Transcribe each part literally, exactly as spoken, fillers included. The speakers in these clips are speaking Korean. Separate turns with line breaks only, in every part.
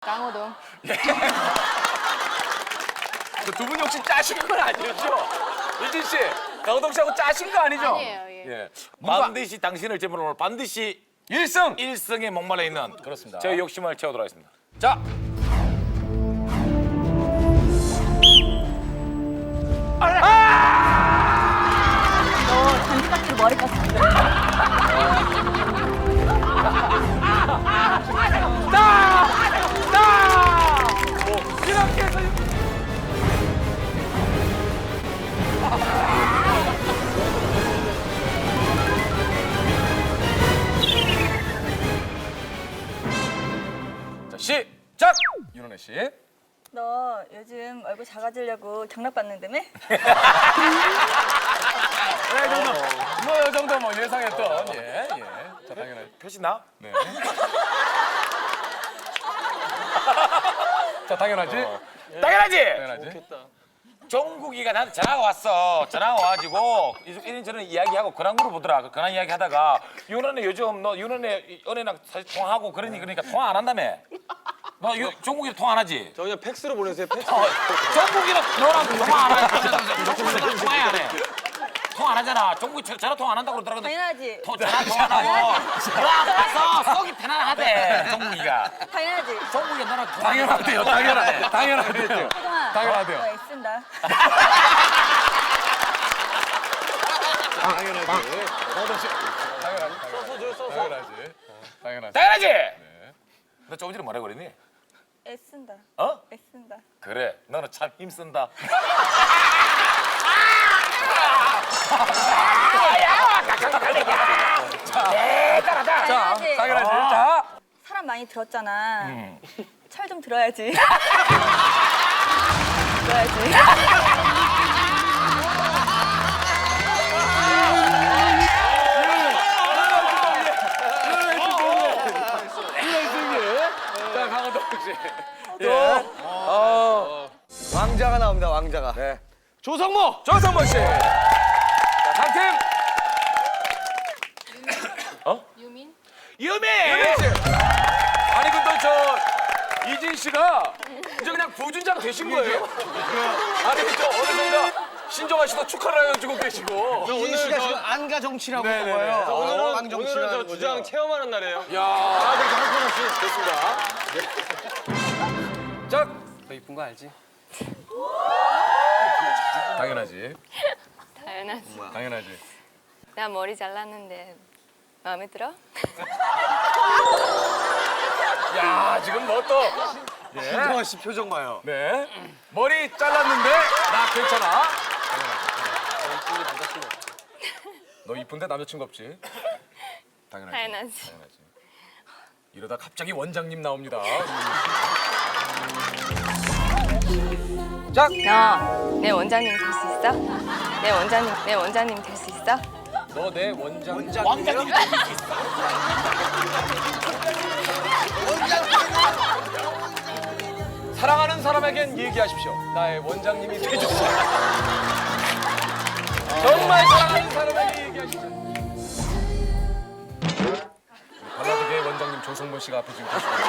강호동.
두 분이 혹시 짜신 건 아니죠? 유진 씨, 강호동 씨하고 짜신 거 아니죠?
아니에요. 예.
예.
반드시 당신을 제물로 반드시
일승
일승에 목말라 있는
그렇습니다.
제 욕심을 채워도록 하겠습니다.
자.
너 단지각지로 머리 깠어.
이렇게 해서 자, 시작! 윤은혜 씨.
너 요즘 얼굴 작아지려고 경락 받는다며?
네, 정도. 뭐, 이 정도 뭐 예상했던. 예, 예. 자, 당연히.
표시 나?
네. 자, 당연하지?
당연하지.
당연하지?
종국이가 나한테 전화가 왔어. 전화가 와가지고 이런저런 이야기하고 근황으로 보더라. 그 근황 이야기 하다가 윤은혜 요즘 너 윤은혜 은혜랑 사실 통화하고 그러니 그러니까 통화 안 한다며. 너 유, 종국이랑 통화 안 하지?
저 그냥 팩스로 보내세요. 팩스.
어, 종국이랑 너랑 통화 안 하지? 종국이랑 통화 안 해. 통화 안 하잖아. 종국이 저- 전화 통화 안 한다고 그러더라고.
당연하지.
통- 전화 통화 안 하고 너랑 가서 속이 편안하대. 종국이가.
당연하지.
종국이가 너랑 통화
당연하대요, 당연하대. 당연하대요.
호동아.
당연하대요.
너 애쓴다.
당연하지. 강호동 씨. 당연하지.
써서 써서.
당연하지. 당연하지.
당연하지? 너 조금 전에 뭐라 그랬니?
애쓴다.
어?
애쓴다.
그래, 너는 참 힘쓴다.
자,
당연하지.
당연하지. 자.
사람 많이 들었잖아. 철 좀 들어야지. 들어야지.
자, 강호동 씨.
왕자가 나옵니다. 왕자가.
네.
조성모.
조성모 씨. 자, 다음 팀.
유민.
유미!
유민 씨. 아니 근데 저 이진 씨가 이제 그냥 부준장 되신 거예요? 아니 저 어느샌가 신정아 씨도 축하를 해주고 계시고.
이진 씨가 지금 안가 정치라고
네네네.
거예요.
자,
오늘은
오늘은-
오늘은 저 주장 체험하는 날이에요.
야, 아, 네, 강호동 씨 됐습니다. 자,
너 이쁜 거 알지?
당연하지.
당연하지.
당연하지.
나 머리 잘랐는데 마음에 들어?
야, 지금 뭐 또. 네.
신정아 씨 표정 봐요.
네. 머리 잘랐는데 나 괜찮아. 너 이쁜데 남자친구 없지? 당연하지.
당연하지.
당연하지. 이러다 갑자기 원장님 나옵니다.
너 내 원장님 될 수 있어? 내 원장님 내 원장님 될 수 있어?
너 내 원장.
왕자님이
사랑하는 사람에겐 얘기하십시오. 나의 원장님이 되주세요. 정말 사랑하는 사람에게 얘기하십시오. 발라드계의 원장님 조성모 씨가 앞에 지금 계시고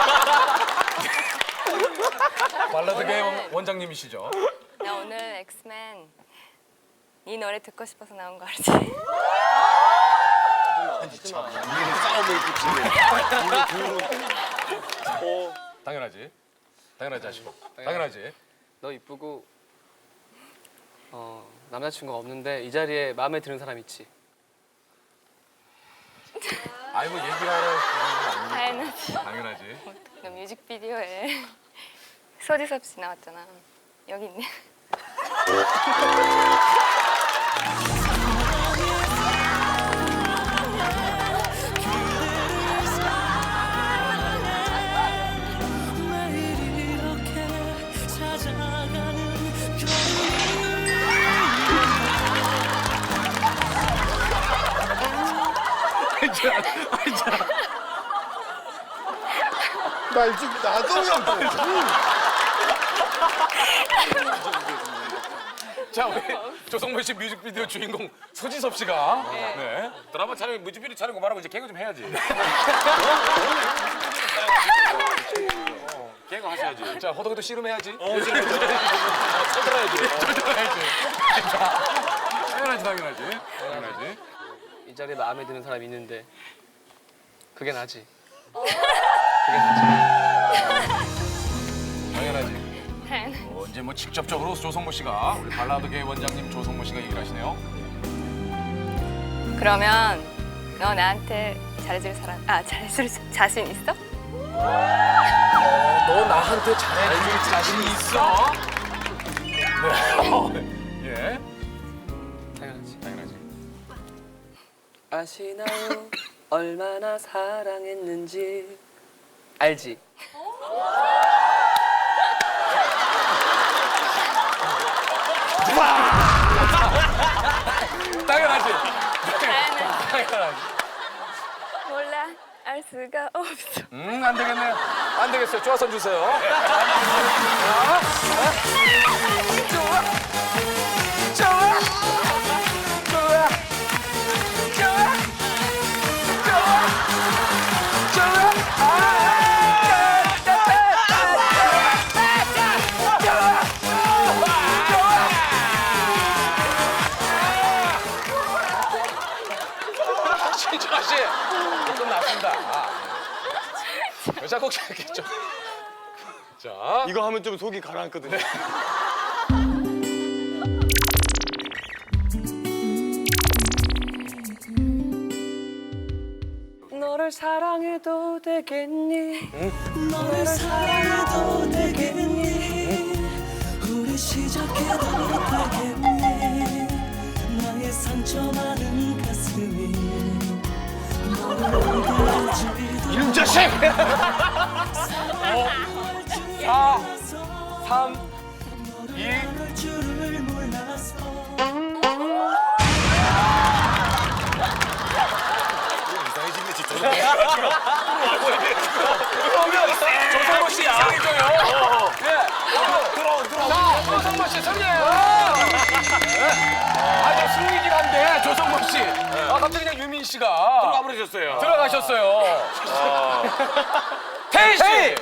발라드계의 원- 원장님이시죠.
나 오늘 엑스맨 네 노래 듣고 싶어서 나온 거 알지?
당연하지. 당연하지 하시고. 당연하지.
너 이쁘고 어, 남자친구가 없는데 이 자리에 마음에 드는 사람 있지?
아이 뭐 얘기하러
당연하지.
당연하지.
너 뮤직비디오에 소지섭 씨 나왔잖아. 여기 있네.
나 지금 나도
자 우리 조성모 씨 뮤직비디오 주인공 소지섭 씨가 네.
드라마 촬영 뮤직비디오 촬영 그만하고 이제 개그 좀 해야지. 개그 하셔야지.
자, 호동이도 씨름해야지.
어, 지금
쳐들어야지. 쳐들어야지. 당연하지, 당연하지. 당연하지.
이 자리에 마음에 드는 사람이 있는데 그게 나지. 그게 나지.
당연하지. 어, 이제 뭐 직접적으로 조성모 씨가 우리 발라드계 원장님 조성모 씨가 얘기를 하시네요.
그러면 너 나한테 잘해줄 사람, 아 잘해줄 자신 있어?
너 나한테 잘해줄 자신 있어? 네. 예.
당연하지.
당연하지.
아시나요? 얼마나 사랑했는지 알지?
당연하지.
나는
당연하지.
몰라, 알 수가 없어.
음, 안 되겠네요. 안 되겠어요. 쪼아선 주세요. 좋아. 좋아. 좋아. 좋아. 좋아. 좋아. 아, 신정아 씨, 끝났습니다. 아, 네. 자꾸 이렇게 좀. 자,
이거 하면 좀 속이 가라앉거든요.
너를 사랑해도 되겠니?
너를 사랑해도 되겠니? 우리 시작해도 되겠니? 나의 상처 많은 가슴이 너를 울게
이놈 자식! 사, 삼, 이.
할 줄을 몰라서
이상해지네 진짜.
그러면 조성모 씨 이상해져요. 예.
들어 들어.
자, 조성모 씨 승리예요. 네. 아주 승리긴 한데 조성모 씨. 아, 갑자기 그냥 유민 씨가
들어가 버리셨어요.
들어가셨어요. 태희 씨.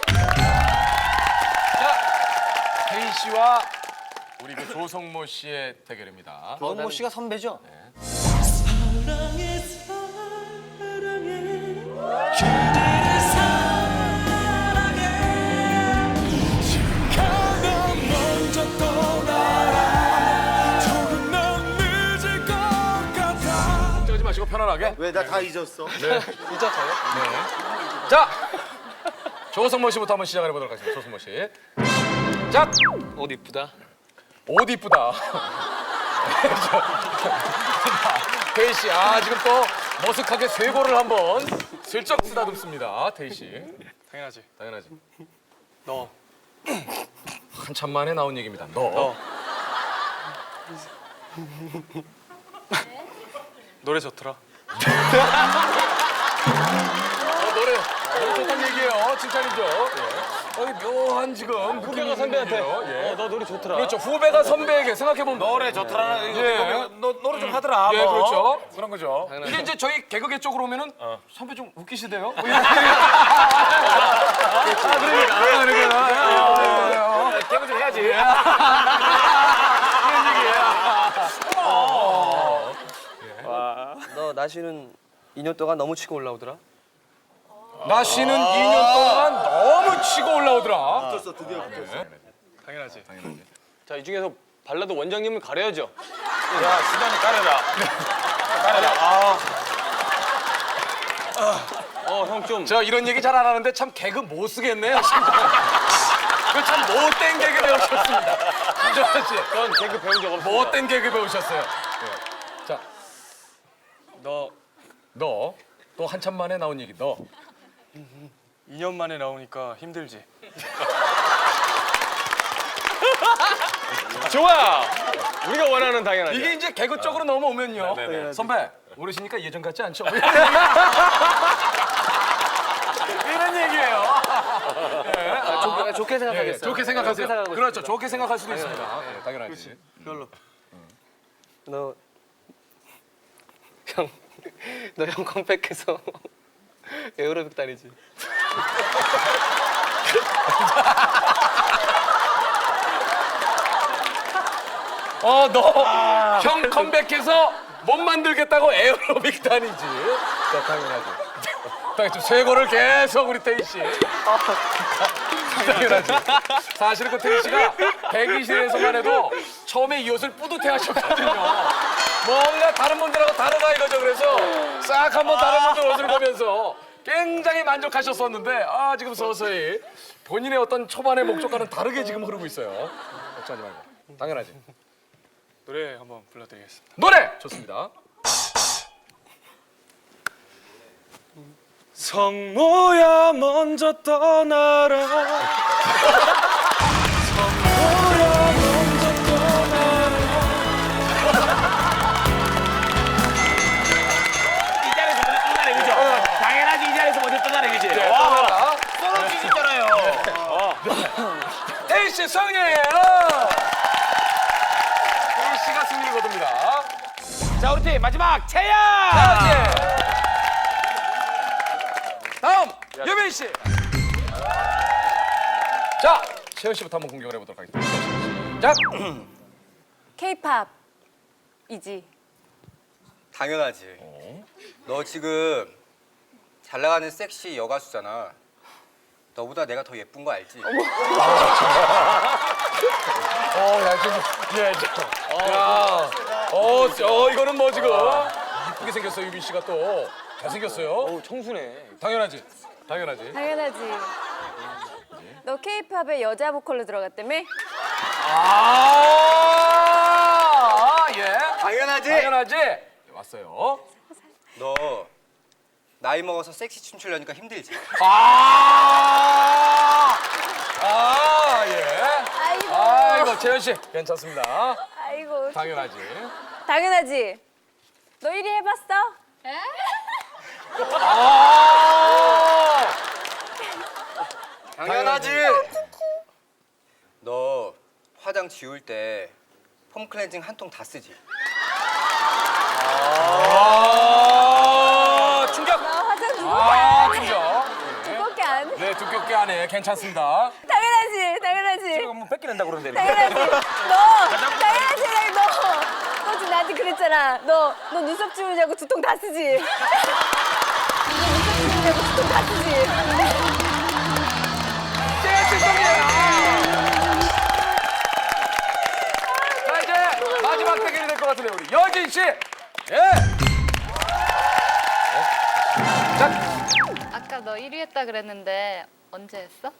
자, 태희 씨와 우리 그 조성모 씨의 대결입니다.
조성모 씨가 선배죠?
사랑해 사랑해 그대를 사랑해 가면 먼저 떠나라 조금만 늦을 것 같아
걱정하지 마시고 편안하게.
왜 나 다 잊었어?
잊었어요?
자, 조성모 씨부터 한번 시작을 해보도록 하겠습니다. 조성모 씨. 자,
옷 이쁘다.
옷 이쁘다. 태희 씨, 아 지금 또 머쓱하게 쇄골을 한번 슬쩍 쓰다듬습니다. 태희 씨.
당연하지.
당연하지.
너.
한참 만에 나온 얘기입니다. 너.
노래 좋더라.
어, 노래 너무 좋다는 얘기예요. 칭찬이죠. 예. 거기 묘한 지금
후배가 선배한테
예.
어, 너 노래 좋더라.
그렇죠. 후배가 선배에게 생각해보면
노래 좋더라. 이거
예.
노래, 너, 노래 좀 하더라.
예,
뭐.
그렇죠.
그런 거죠.
이게 이제 저희 개그계 쪽으로 오면은 선배 좀 웃기시대요. 뭐 이렇게. 아, 그러니까. 아, 그러니까.
개그 좀 해야지.
너 나시는 이 년 동안 너무 치고 올라오더라.
나 씨는 이 년 동안 너무 치고 올라오더라.
붙었어, 드디어 붙었어.
당연하지.
자, 이 중에서 발라드 원장님을 가려야죠.
야, 수단이 가려라. 가려라. 아,
어, 형 좀.
저 이런 얘기 잘 안 하는데 참 개그 못 쓰겠네요. 그참 못된 개그 배우셨습니다. 김정환 씨.
전 개그 배운 적 없어.
못된 개그 배우셨어요. 네. 자,
너
너 또 한참 만에 나온 얘기. 너.
이 년 만에 나오니까 힘들지.
좋아. 우리가 원하는 당연하죠.
이게 이제 개그 쪽으로 넘어오면요.
네네네.
선배, 모르시니까 예전 같지 않죠? 이런 얘기예요. 네.
아, 좋게, 좋게
예, 예,
생각하겠어요.
좋게 생각하세요.
생각하고
그렇죠.
있습니다.
좋게 생각할 수도 있습니다. 예, 당연하지.
별로. 너 형, 너 형 컴백해서 에어로빅 다니지.
어, 너 형 컴백해서 못 만들겠다고 에어로빅 다니지. 자, 당연하지. 당연히 좀 쇄골을 계속 우리 태희 씨. 당연하지. 사실은 그 태희 씨가 대기실에서만 해도 처음에 이 옷을 뿌듯해 하셨거든요. 뭔가 다른 분들하고 다르다 이거죠. 그래서 싹 한번 다른 분들 옷을 보면서 굉장히 만족하셨었는데 아 지금 서서히 본인의 어떤 초반의 목적과는 다르게 지금 흐르고 있어요. 걱정하지 말고. 당연하지.
노래 한번 불러드리겠습니다.
노래 좋습니다.
성모야 먼저 떠나라. 성모야 먼저 떠나라.
이 자리에서 먼저 떠나래 그죠? 당연하지 이 자리에서 먼저 떠나래 그지?
네,
와
떠나라.
서로 있잖아요.
태희 씨 승리예요. 태희 씨가 승리를 거둡니다.
자 우리 팀 마지막 채연.
자 이제 다음 유빈 씨. 자 채연 씨부터 한번 공격을 해보도록 하겠습니다. 자
K-팝이지.
당연하지. 너 지금 잘 나가는 섹시 여가수잖아. 너보다 내가 더 예쁜 거 알지?
어야 지금 예 저. 야. 어, 어 이거는 뭐 지금 이쁘게 생겼어요 유빈 씨가 또 잘생겼어요.
어, 청순해.
당연하지. 당연하지.
당연하지. 너 K-팝에 여자 보컬로 들어갔다며?
아, 예.
당연하지.
당연하지. 왔어요.
너 나이 먹어서 섹시 춤추려니까 힘들지?
아, 아, 예.
아이고.
아이고, 재현 씨, 괜찮습니다.
아이고.
당연하지.
당연하지. 너 일 위 해봤어?
아,
당연하지. 너 화장 지울 때 폼 클렌징 한 통 다 쓰지?
아, 충격.
너 화장 두껍게
아,
안 해.
충격.
두껍게 안 해.
네, 두껍게 안 해. 괜찮습니다.
당연하지. 당연하지.
뭐 뺏기낸다 그러는데 이렇게.
당연하지. 너. 당연하지. 너. 너 지금 나한테 그랬잖아. 너. 너 눈썹 지우냐고 두 통 다 쓰지. 너 눈썹 지우냐고 두 통 다 쓰지.
자, 이제 마지막 대결이 될 것 같은데 우리 여진 씨. 예. 자,
아까 너 일 위 했다 그랬는데 언제 했어?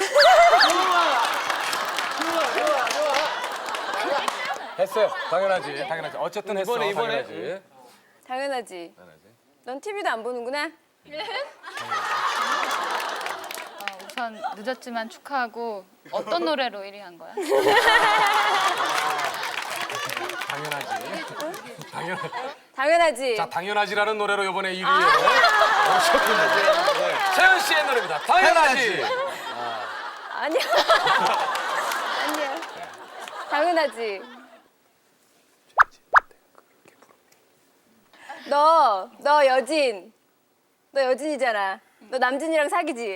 했어요. 당연하지. 당연하지. 어쨌든 했어.
이번에, 이번에.
당연하지.
당연하지. 넌 티비도 안 보는구나.
어, 우선 늦었지만 축하하고 어떤 노래로 일 위 한 거야?
당연하지. 당연.
당연하지.
자, 당연하지라는 노래로 이번에 일 위에 오셨군요. 채연 씨의 노래입니다. 당연하지.
아니야. 아니야. 당연하지. 너, 너 여진. 너 여진이잖아. 너 남진이랑 사귀지?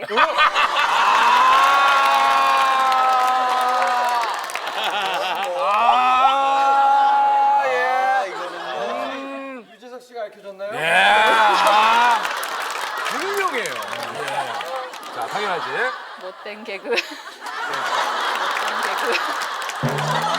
아, 예. 이거는 유재석 씨가 알려줬나요? 예. 아, 유명해요. 예. 자, 당연하지.
못된 개그. 못된 개그.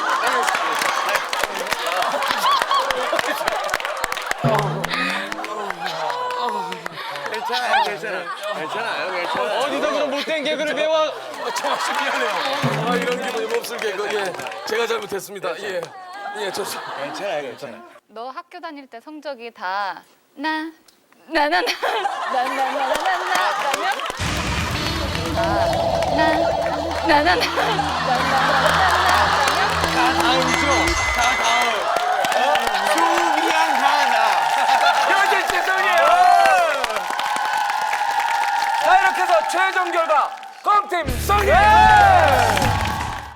괜찮아요, 괜찮아요. 괜찮아요, 괜찮아요. 어디서 그런 못된 개그를 배워?
정말 씨 미안해요. 아, 이런 기분이 몹쓸 개그. 예. 제가 잘못했습니다. 예. 예, 좋습니다.
괜찮아요, 괜찮아요.
너 학교 다닐 때 성적이 다 나, 나, 나, 나, 나, 나, 나, 나, 나, 나면 나, 나, 나, 나, 나, 나, 나, 나, 나,
아, 그죠?